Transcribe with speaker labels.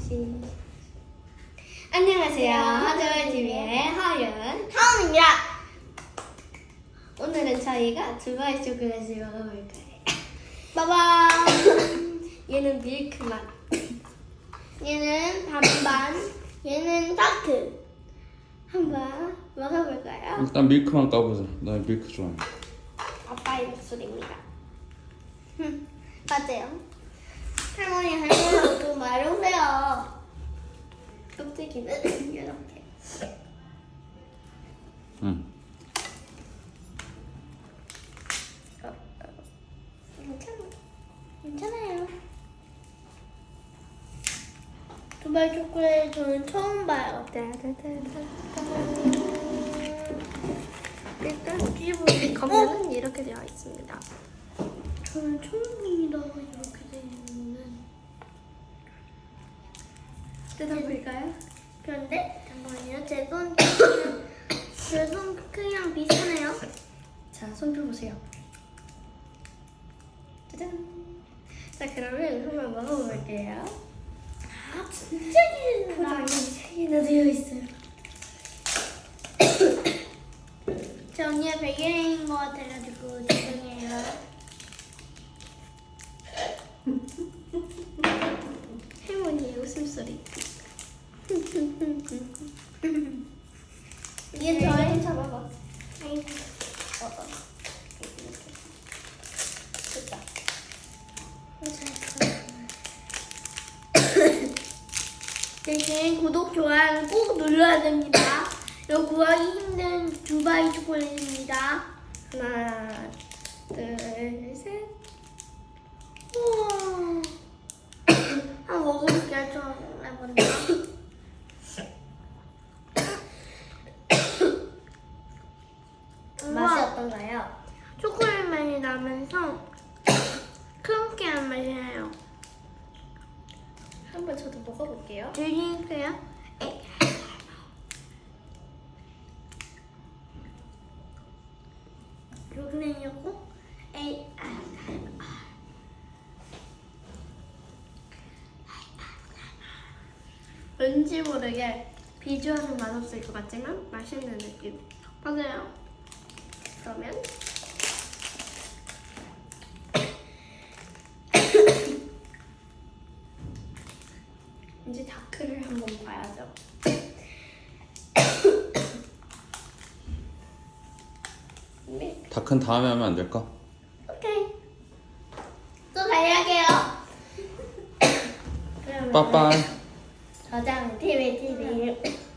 Speaker 1: 안녕하세요. 하정TV의 하윤,
Speaker 2: 하은입니다.
Speaker 1: 오늘은 저희가 두바이 초콜릿을 먹어볼 거예요.
Speaker 2: 빠밤.
Speaker 1: 얘는 밀크 맛.
Speaker 2: 얘는 반반. 얘는 다크.
Speaker 1: 한번 먹어볼까요?
Speaker 3: 일단 밀크만 까보자. 나 밀크 좋아해.
Speaker 1: 아빠의 목소리입니다.
Speaker 2: 맞아요. 할머니 좀 말해오세요.
Speaker 1: 껍데기는 이렇게.
Speaker 3: 응.
Speaker 2: 괜찮아요. 두바이 초콜릿 저는 처음 봐요.
Speaker 1: 일단 뒤에 보면 이렇게 되어 있습니다.
Speaker 2: 저는 처음 봅니다. 이렇게 돼 있는 거는.
Speaker 1: 뜯어볼까요?
Speaker 2: 그런데 잠깐만요. 제 손 크기랑 비슷하네요.
Speaker 1: 자, 손 펴보세요. 짜잔. 자, 그러면 한번 먹어볼게요.
Speaker 2: 아 진짜 기대된다.
Speaker 1: 포장이 3개나 되어 있어요.
Speaker 2: 제 언니가 베개인 것 같아가지고 죄송해요.
Speaker 1: 할머니의 웃음소리.
Speaker 2: 이게 저의
Speaker 1: 잡아봐.
Speaker 2: 아이고.
Speaker 1: 됐다.
Speaker 2: 대신 구독, 좋아요 꼭 눌러야 됩니다. 이거 구하기 힘든 두바이 초콜릿입니다.
Speaker 1: 하나, 둘, 셋.
Speaker 2: 우와. 한번 먹어볼게요. 좀 먼저.
Speaker 1: 맛이 어떤가요?
Speaker 2: 초콜릿 맛이 나면서 크런키한 맛이 나요.
Speaker 1: 한번 저도 먹어볼게요.
Speaker 2: 드릴게요. 이렇게 내려고
Speaker 1: 왠지 모르게 비주얼은 맛없을 것 같지만 맛있는 느낌.
Speaker 2: 맞아요.
Speaker 1: 그러면 이제 다크를 한번 봐야죠. 네.
Speaker 3: 다큰 다음에 하면 안 될까?
Speaker 2: 오케이. 또 달려게요.
Speaker 1: 그러면
Speaker 3: 빠빠이.
Speaker 1: 저장 TV